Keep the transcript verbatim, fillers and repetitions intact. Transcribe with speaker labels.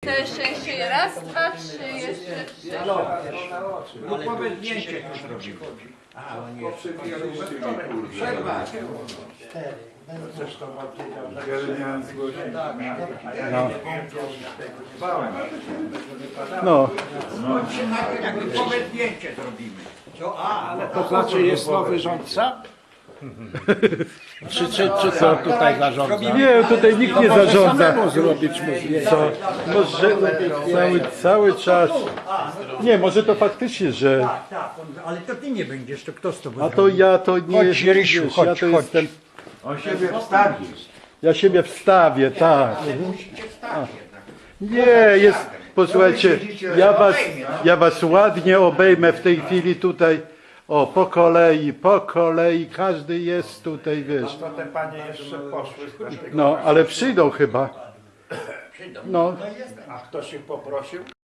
Speaker 1: Te szczęście raz, dwa, trzy, jeszcze trzy.
Speaker 2: Grupowe zdjęcie tu zrobimy.
Speaker 3: No.
Speaker 2: Chodźcie najpierw grupowe zdjęcie zrobimy.
Speaker 4: To znaczy jest nowy rządca? Czy, czy, czy co tutaj zarządza?
Speaker 3: Nie, tutaj nikt nie zarządza.
Speaker 4: Samemu zrobić mu zdjęcie.
Speaker 3: Co? Może cały, cały czas. Nie, może to faktycznie, że.
Speaker 2: Tak, tak, ale to ty nie będziesz, to kto z tobą
Speaker 3: A to ja to nie
Speaker 2: Chodź, Rysiu,
Speaker 3: wiesz,
Speaker 2: chodź,
Speaker 3: ja to
Speaker 2: chodź.
Speaker 3: jestem.
Speaker 2: On siebie wstawi.
Speaker 3: Ja siebie wstawię, tak.
Speaker 2: Musicie wstać jednak.
Speaker 3: Nie, jest. Posłuchajcie, ja was, ja was ładnie obejmę w tej chwili tutaj. O, po kolei, po kolei, każdy jest tutaj, wiesz.
Speaker 4: To te panie jeszcze poszły.
Speaker 3: No, ale przyjdą chyba. No,
Speaker 4: A ktoś ich poprosił?